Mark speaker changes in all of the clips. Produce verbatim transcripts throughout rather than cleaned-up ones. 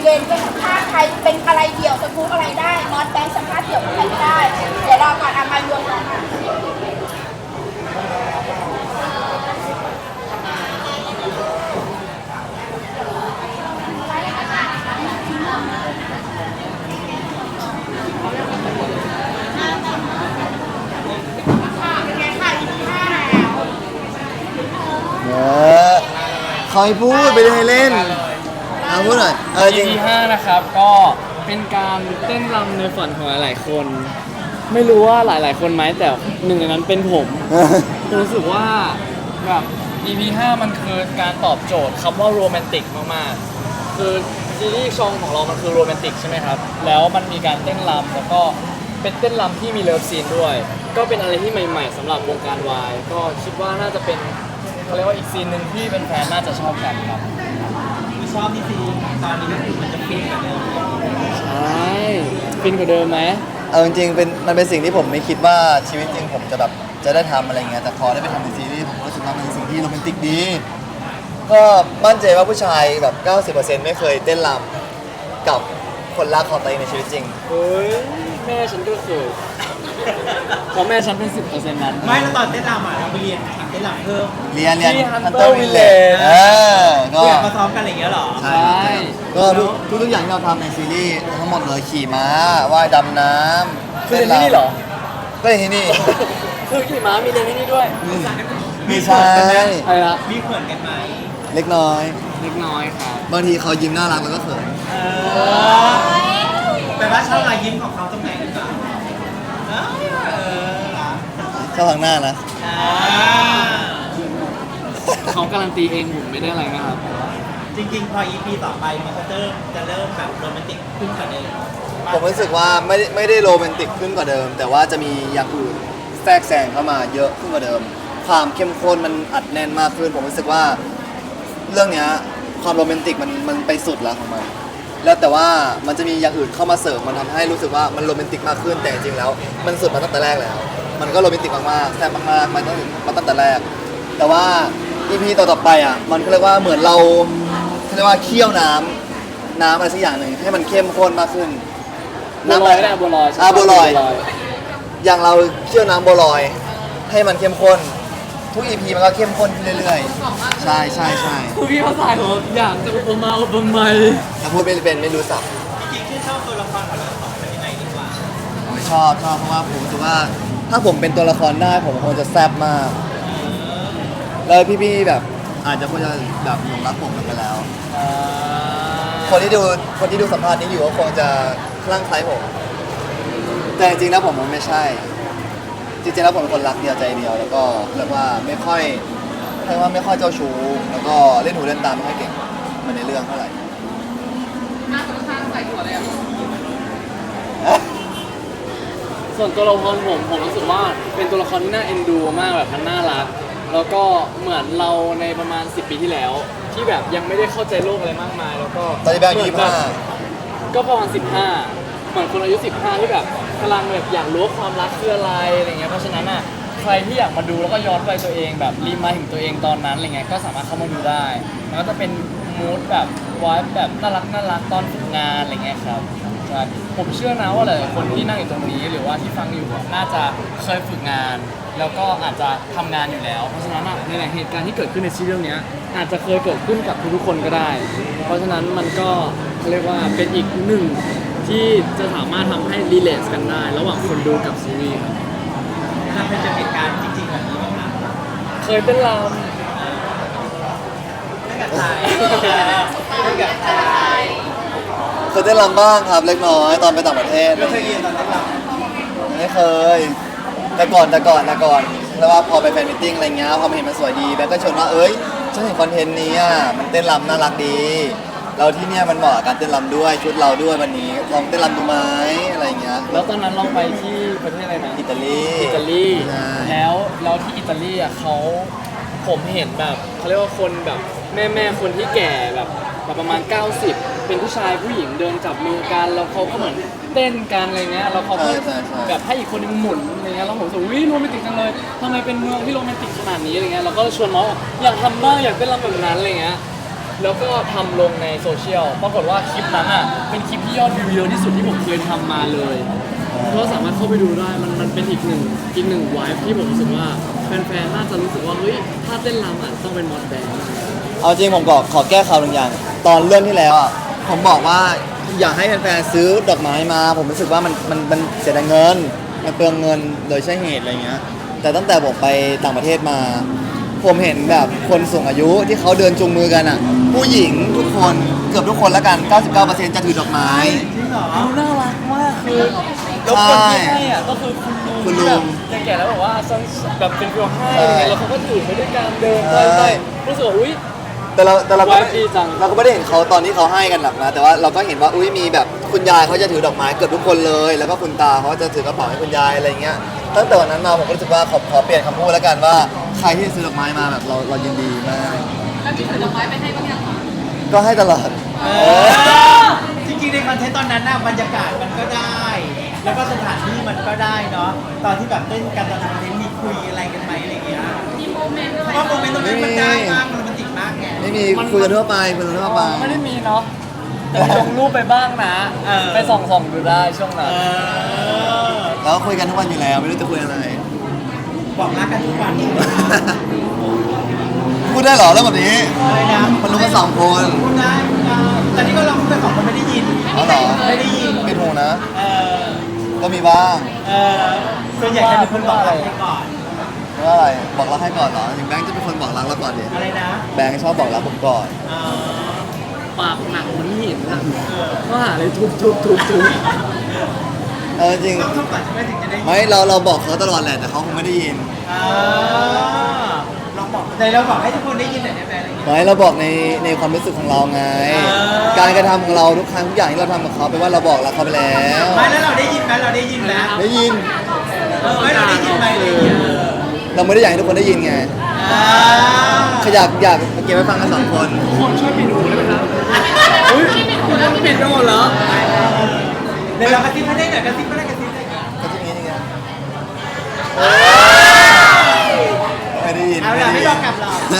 Speaker 1: เย็นจะสัมภาษณ์ใครเป็นอะไรเดี่ยวสกู๊ปอะไรได้มอสแบงค์สัมภาษณ์เดี่ยวกับใครไม่ได้เดี๋ยวรอก่อนเอามารวมก่อนค่ะเป็นไงค่ะอีพีห้าแล้ว
Speaker 2: เออคอยพูดไปเลยเล่นเอาพูดหน่อยเออจริง
Speaker 3: อี พี ห้านะครับก็เป็นการเต้นรำในฝันของหลายๆคน ไม่รู้ว่าหลายๆคนไหมแต่หนึ่งในนั้นเป็นผมผมรู้สึกว่าแบบ อี พี ห้ามันคือการตอบโจทย์คำว่าโรแมนติกมากๆคือซีรีส์ชองของเรามันคือโรแมนติกใช่ไหมครับแล้วมันมีการเต้นรำแล้วก็เป็นเต้นรำที่มีเลิฟซีนด้วย ก็เป็นอะไรที่ใหม่ๆสำหรับวงการวายก็คิดว่าน่าจะเป็นเขาเรียกว่าอีกซีนหนึ่งที่เป็นแฟนๆน่าจะชอบกันครับ
Speaker 4: คือชอบที่ซีตอนนี้ก็คือมันจะฟินกับเดิม
Speaker 3: ใช่ฟินกว่าเดิมไหม
Speaker 2: เอาจริงๆเป็นมันเป็นสิ่งที่ผมไม่คิดว่าชีวิตจริงผมจะแบบจะได้ทำอะไรเงี้ยแต่พอได้ไปทำในซีรีส์ผมก็รู้สึกว่ามันเป็นสิ่งที่โรแมนติกดี ก็มั่นใจว่าผู้ชายแบบ เก้าสิบเปอร์เซ็นต์ ไม่เคยเต้นรำกับคนรักของตัวเองในชีวิตจริง
Speaker 3: เฮ้ยแม่ฉันก็เคยเพราะแม่ฉันเป็นสิบเปอร์เซ็นต์นั้น
Speaker 4: ไม่แล้วตอนเต้นรำอ่ะเราไปเรียนเต้นรำเพิ่ม
Speaker 2: เรียนเรียน
Speaker 3: ที่
Speaker 2: Hunter
Speaker 3: Hunter
Speaker 2: Village
Speaker 3: Village
Speaker 2: เออก็
Speaker 4: เรียนมาซ้อมกันอะไรอย่างเงี้ยเหรอ
Speaker 2: ใช่ก็ทุกทุกทุกอย่างที่เราทำในซีรีส์ทั้งหมดเลยขี่ม้าว่ายดำน้ำ
Speaker 3: คือเรียนที่นี่เหรอ
Speaker 2: ก็เรียนที่นี่
Speaker 3: คือขี่ม้ามีเรียนที่นี่ด้วย
Speaker 2: มีใช่
Speaker 3: อะไรนะ
Speaker 4: มีเขินกันไหม
Speaker 2: เล็กน้อย
Speaker 3: เล็กน้อยครับ
Speaker 2: บางทีเขายิ้มน่ารักแล้วก็เขิน
Speaker 4: เออแต่ว่าชอบรอยยิ้มของเขาตรงไหนกันบ้างเออเออ
Speaker 2: ชอบทางหน้านะ
Speaker 4: อ่า
Speaker 3: เขาการันตีเองผมไม่ได้อะไรนะครับ
Speaker 4: จริงๆ พอ อี พี ต่อไปมันก็จะเริ่มจะเริ่มแบบโรแมนติกขึ้นกว่าเดิม
Speaker 2: ผมรู้สึกว่าไม่ได้ไม่ได้โรแมนติกขึ้นกว่าเดิม แต่ว่าจะมีอย่างอื่นแทรกแซงเข้ามาเยอะขึ้นกว่าเดิม ความเข้มข้นมันอัดแน่นมากขึ้น ผมรู้สึกว่าเรื่องเนี้ยความโรแมนติกมันมันไปสุดแล้วของมันแล้วแต่ว่ามันจะมีอย่างอื่นเข้ามาเสริมมันทำให้รู้สึกว่ามันโรแมนติกมากขึ้นแต่จริงๆแล้ว มันสุดมาตั้งแต่แรกแล้ว มันก็โรแมนติกมากๆแซ่บมากๆมันตั้งมาตั้งแต่แรก แต่ว่า อี พี ต่อๆไปอ่ะมันก็เรียกว่าเหมือนเราเขาเรียกว่าเคี่ยวน้ำน้ำอะไรสักอย่างหนึ่งให้มันเข้มข้นมากขึ้น
Speaker 3: บัวลอยก็ได้บัวลอย
Speaker 2: อ่าบัวลอย อย่างเราเคี่ยวน้ำบัวลอย ให้มันเข้มข้น ทุก อี พี มันก็เข้มข้นขึ้นเรื่อยๆ ใช่ใช่ใช่
Speaker 3: คือพี่ภาษาผมอยากจะอุปมาอุปไมย
Speaker 2: ถ้าพูดไม่เป็นไม่รู้สับ
Speaker 4: จริงๆที่ชอบตัวละครของเราสองคนยังไงดีกว่า
Speaker 2: ผมชอบชอบเพราะว่าผมรู้สึกว่า ถ้าผมเป็นตัวละครได้ผมคงจะแซ่บมาก แล้วพี่ๆแบบอาจจะคงจะแบบหลงรักผมกันไปแล้ว คนที่ดูคนที่ดูสัมภาษณ์นี้อยู่ก็คงจะคลั่งไคล้ผม แต่จริงๆแล้วผมมันไม่ใช่ จริงๆแล้วผมเป็นคนรักเดียวใจเดียว แล้วก็เรียกว่าไม่ค่อยเรียกว่าไม่ค่อยเจ้าชู้แล้วก็เล่นหูเล่นตาไม่ค่อยเก่งเหมันในเรื่องเท่าไหร่
Speaker 3: ส่วนตัวละครผมผมรู้สึกว่าเป็นตัวละครที่น่าเอ็นดูมากแบบมันน่ารัก แล้วก็เหมือนเราในประมาณสิบปีที่แล้ว ที่แบบยังไม่ได้เข้าใจโลกอะไรมากมาย แล้วก็
Speaker 2: ตอนนี้แบงค์ยี่สิบห้า
Speaker 3: ก็ประมาณสิบห้าเหมือนคนอายุสิบห้าที่แบบกำลังแบบอยากรู้ว่าความรักคืออะไรอะไรเงี้ยเพราะฉะนั้นอ่ะใครที่อยากมาดูแล้วก็ย้อนไปตัวเองแบบรีมายถึงตัวเองตอนนั้นอะไรเงี้ยก็สามารถเข้ามาดูได้มันก็จะเป็นมูดแบบวายแบบน่ารักน่ารักตอนฝึกงานอะไรเงี้ยครับใช่ผมเชื่อนะว่าหลายๆคนที่นั่งอยู่ตรงนี้หรือว่าที่ฟังอยู่อะน่าจะเคยฝึกงาน แล้วก็อาจจะทำงานอยู่แล้ว เพราะฉะนั้นอะในหลายเหตุการณ์ที่เกิดขึ้นในชีวิตเรื่องเนี้ยอาจจะเคยเกิดขึ้นกับทุกๆคนก็ได้ เพราะฉะนั้นมันก็เขาเรียกว่าเป็นอีกหนึ่งที่จะสามารถทำให้รีเลทกันได้ ระหว่างคนดูกับซีรีส์ครับ
Speaker 4: ถ้าเป็นเจอเหตุการณ์จริงๆแบบนี้บ้างนะ
Speaker 3: เคยเป็นลาม
Speaker 4: เรื่องกับไทยเรื่องกับไทย
Speaker 2: เคยเต้นรำบ้างครับเล็กน้อยตอนไปต่างประเทศ
Speaker 4: ไม่เคยเรียนตอนนั้นหรอ
Speaker 2: ไม่เคย แต่ก่อนแต่ก่อนแต่ก่อนแล้วว่าพอไปแฟนมิทติ้งอะไรเงี้ยพอมาเห็นมันสวยดีแบงก์ก็ชวนว่าเอ้ยฉันเห็นคอนเทนต์นี้อ่ะมันเต้นรำน่ารักดีเราที่เนี่ยมันเหมาะกับการเต้นรำด้วยชุดเราด้วยวันนี้ลองเต้นรำดูไหมอะไรเงี้ย
Speaker 3: แล้วตอนนั้นเราไปที่ประเทศอะไรนะ
Speaker 2: อิตาลี
Speaker 3: อิตาลี
Speaker 2: ใช่
Speaker 3: แล้วแล้วที่อิตาลีอ่ะเขาผมเห็นแบบเขาเรียกว่าคนแบบแม่แม่คนที่แก่แบบแบบประมาณ เก้าสิบ เป็นผู้ชายผู้หญิงเดินจับมือกันแล้วเขาก็เหมือนเต้นกันอะไรเงี้ยแล้วเขาก็
Speaker 2: ใช่ใช่ใช่
Speaker 3: แบบให้อีกคนนึงหมุนอะไรเงี้ยแล้วผมรู้สึกวิโรแมนติกจังเลยทำไมเป็นเมืองที่โรแมนติกขนาดนี้อะไรเงี้ยเราก็ชวนน้องบอกอยากทำบ้างอยากเต้นรำแบบนั้นอะไรเงี้ยแล้วก็ทำลงในโซเชียลปรากฏว่าคลิปนั้นอ่ะเป็นคลิปที่ยอดวิวเยอะที่สุดที่ผมเคยทำมาเลยก็สามารถเข้าไปดูได้มันมันเป็นอีกหนึ่งอีกหนึ่งไวฟ์ที่ผมรู้สึกว่าแฟนๆน่าจะรู้สึกว่าเฮ้ยถ้าเต้นรำอ่ะต้องเป็นมอสแบงค์
Speaker 2: เอาจริงผมก็ขอแก้ข่าวหนึ่งอย่าง ตอนเรื่องที่แล้วอ่ะผมบอกว่าอยากให้แฟนๆซื้อดอกไม้มา ผมรู้สึกว่ามันมันมันเสียดายเงินมันเปลืองเงินโดยใช่เหตุอะไรเงี้ยแต่ตั้งแต่ผมไปต่างประเทศมา ผมเห็นแบบคนสูงอายุที่เขาเดินจูงมือกันอ่ะ ผู้หญิงทุกคนเกือบทุกคนแล้วกัน เก้าสิบเก้าเปอร์เซ็นต์ จะถือดอกไม้
Speaker 4: จริงเหรอ
Speaker 3: ดูน่ารักมากคือแล้วคนที่ให้อ่ะก็คือคุณลุง
Speaker 2: คุณลุ
Speaker 3: ที่
Speaker 2: ง
Speaker 3: แบบแก่ๆแล้วบอกว่าซังแบบเป็นฟิลให้อะไรเงี้ยแล้วเขาก็ถือไปด้วยการเดินไปไปรู้สึกว่าอุ้ย
Speaker 2: แต่เราแต่เราก็
Speaker 3: ไว้ดีจัง
Speaker 2: เราก็ไม่ได้เห็นเขาตอนที่เขาให้กันหรอกนะแต่ว่าเราก็เห็นว่าอุ้ยมีแบบคุณยายเขาจะถือดอกไม้เกือบทุกคนเลย แล้วก็คุณตาเขาจะถือกระเป๋าให้คุณยายอะไรเงี้ยตั้งแต่วันนั้นมาผมก็รู้สึกว่าขอขอเปลี่ยนคำพูดแล้วกันว่าใครที่ซื้อดอกไม้มาแบบเราเรายินดีมาก
Speaker 1: แล้วมีถือดอกไม้ไปให้บ้างยังคะ
Speaker 2: ก็ให้ตลอด
Speaker 4: เออจริงๆในคอนเทนต์ตอนนั้นน่ะบรรยากาศมันก็ได้ แล้วก็สถานที่มันก็ได้เนาะตอนที่แบบเต้นกันตอนคอนเทนต์มีคุยอะไรกันไหมอะไรอย่างเงี้ย
Speaker 1: มีโมเมนต์อะไร
Speaker 4: เพราะว่าโมเมนต์ตรงนั้นมันได้มากมันโรแมนติกมากไง
Speaker 2: ไม่มีคุยกันทั่วไปคุยกันทั่วไป
Speaker 3: ไม่ได้มีเนาะแต่มีลงรูปไปบ้างนะ
Speaker 4: เออ
Speaker 3: ไปส่องๆดูได้ช่วงนั้น
Speaker 4: เออ
Speaker 2: แล้วก็คุยกันทุกวันอยู่แล้วไม่รู้จะคุยอะไร
Speaker 4: บอกรักกันทุกวันใช่ไหมคะ
Speaker 2: พูดได้เหรอเรื่องแบบนี้
Speaker 4: อะไรนะ
Speaker 2: มันรู้กันสองคน
Speaker 4: พูดได้พูดได้แต่นี่ก็ลองพูดไปสองคนไม่ได้ยิน
Speaker 2: อ๋อเหรอ
Speaker 4: ไม่ได้ยิน
Speaker 2: เป็นหูนะ
Speaker 4: เออ
Speaker 2: ก็มีบ้าง
Speaker 4: เออส่วนใหญ่จะเป็นคนบอกรักให้ก่อน
Speaker 2: ว่าอะไรบอกรักให้ก่อนเหรออย่างแบงค์จะเป็นคนบอกรักเราก่อนดิ
Speaker 4: อะไรนะ
Speaker 2: แบงค์ชอบบอกรักผมก่อน
Speaker 4: เออ
Speaker 3: ปากหนักเหมันหินอะก็หาอะไรทุบทุบทุบทุบ
Speaker 2: เออจริง
Speaker 4: ต้องทำก่อนใช่ไหมถึงจะได้ยิน
Speaker 2: ไม่เราเราบอกเขาตลอดแหละแต่เขาคงไม่ได้ยิน
Speaker 4: อ่าลองบอกในเราบอกให้ทุกคนได้ยินหน่อยได้ไหมอะไรอย่างเงี้ย
Speaker 2: ไม่เราบอกในในความรู้สึกของเราไง
Speaker 4: อ่า
Speaker 2: การกระทำของเราทุกครั้งทุกอย่างที่เราทำกับเขาแปลว่าเราบอกรักเขาไปแล้ว
Speaker 4: ไม่แล้วเราได้ยินไหมเราได้ยินไหม
Speaker 2: ได้ยิน
Speaker 4: เออไม่เราได้ยินไหมอะไรอย่างเงี้ย
Speaker 2: เราไม่ได้อยากให้ทุกคนได้ยินไง
Speaker 4: อ่า
Speaker 2: ขอยากอยากเก็บไว้ฟังกันสองคน
Speaker 3: คนช่วยปิดหูได้ไหมครับอุ้ยปิดหูแล้วปิดไปหมดเหรอ
Speaker 4: เดี๋ยวเรากระซิบให้ได้หน่อยกระซิบไม่ได้กระซิบได้ไง
Speaker 2: ก็ที่นี้นี่ไงไม่ได้ยิน
Speaker 4: เอาล่ะไม่ยอมกลับเรา
Speaker 2: นะ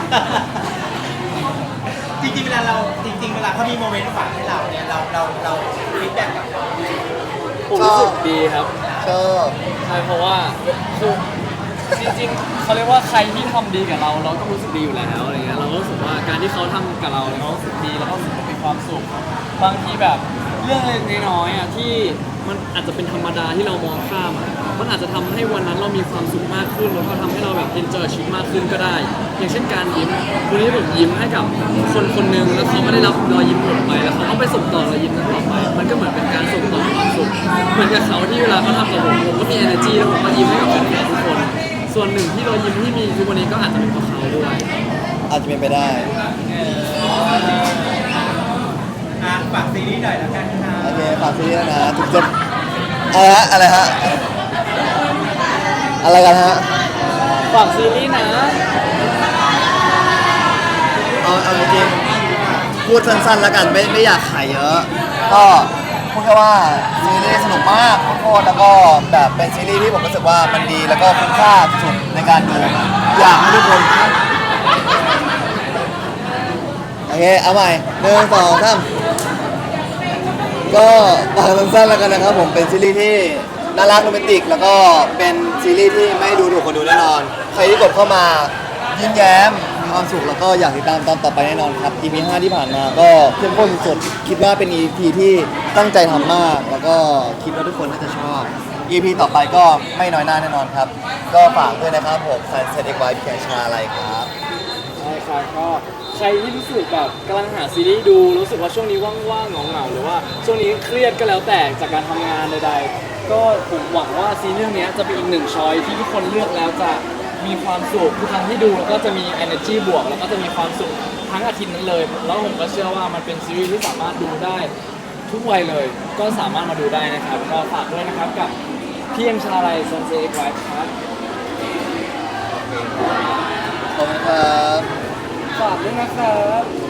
Speaker 4: จริงๆเวลาเราจริง ๆ เวลาเขามีโมเมนต์ฝากให้เราเนี่ยเราเราเราฟีดแบ็กกับเขา
Speaker 3: ผมรู้สึกดีครับ
Speaker 2: ชอบ
Speaker 3: ใช่เพราะว่าคือจริงๆเขาเรียกว่าใครที่ทำดีกับเราเราก็รู้สึกดีอยู่แล้วอะไรเงี้ยเราก็รู้สึกว่าการที่เขาทำกับเราเนี่ยเขารู้สึกดีแล้วก็รู้สึกมีความสุขบางทีแบบเรื่องเล็กๆน้อยๆอ่ะที่มันอาจจะเป็นธรรมดาที่เรามองข้ามอ่ะมันอาจจะทำให้วันนั้นเรามีความสุขมากขึ้นแล้วก็ทำให้เราแบบเอนจอยชีวิตมากขึ้นก็ได้ อย่างเช่นการยิ้มวันนี้ผมยิ้มให้กับคนคนหนึ่งแล้วเขาไม่ได้รับรอยยิ้มผมไปแล้วเขาก็ไปส่งต่อรอยยิ้มนั้นต่อไป มันก็เหมือนเป็นการส่งต่อความสุขเหมือนกับเขาที่เวลาเขาทำกับผมผมก็มี energy แล้วผมก็ยิ้มให้กับแฟนๆทุกคน ส่วนหนึ่งที่รอยยิ้มที่มีทุกวันนี้ก็อาจจะเป็นเพราะเขาด้วย
Speaker 2: อาจจะเป็นไปได้
Speaker 4: อ่ะฝากซีรีส์หน่อยแล้วกันค่ะ
Speaker 2: โอเคฝากซีรีส์นะทุกจะอะไรฮะอะไรฮะอะไรกันฮะ
Speaker 3: ฝากซีรีส์นะ
Speaker 2: เอาเอาจริงๆพูดสั้นๆแล้วกันไม่ไม่อยากขายเยอะ ก็พูดแค่ว่าซีรีส์สนุกมากโคตรแล้วก็แบบเป็นซีรีส์ที่ผมรู้สึกว่ามันดีแล้วก็คุ้มค่าสุดในการดูอยากให้ทุกคนโอเคเอาใหม่หนึ่งสองสามก็ฝากสั้นๆแล้วกันนะครับผมเป็นซีรีส์ที่น่ารักโรแมนติก แล้วก็เป็นซีรีส์ที่ไม่ดูถูกคนดูแน่นอน ใครที่กดเข้ามายิ้มแย้มมีความสุขแล้วก็อยากติดตามตอนต่อไปแน่นอนครับ อี พี ห้าที่ผ่านมาก็เข้มข้นสุดๆคิดว่าเป็น อี พี ที่ตั้งใจทำมาก แล้วก็คิดว่าทุกคนน่าจะชอบ อี พี ต่อไปก็ไม่น้อยหน้าแน่นอนครับ ก็ฝากด้วยนะครับผมแฟนเซตเอ็กไวท์แคชาอะไรครับ
Speaker 3: ใช่ครับก็ใครที่รู้สึกแบบกำลังหาซีรีส์ดูรู้สึกว่าช่วงนี้ว่างๆเหงาๆหรือว่าช่วงนี้เครียดก็แล้วแต่จากการทำงานใดๆก็ผมหวังว่าซีรีส์เรื่องนี้จะเป็นอีกหนึ่งช้อยที่ทุกคนเลือกแล้วจะมีความสุขทุกครั้งที่ดูแล้วก็จะมี energy บวกแล้วก็จะมีความสุขทั้งอาทิตย์นั้นเลยแล้วผมก็เชื่อว่ามันเป็นซีรีส์ที่สามารถดูได้ทุกวัยเลย ก็สามารถมาดูได้นะครับก็ฝากด้วยนะครับกับพี่เอ็มชาลัยซันเซ็ตไวท์ครับ
Speaker 2: ขอบคุณครับ
Speaker 3: ฝากด้วยนะครับ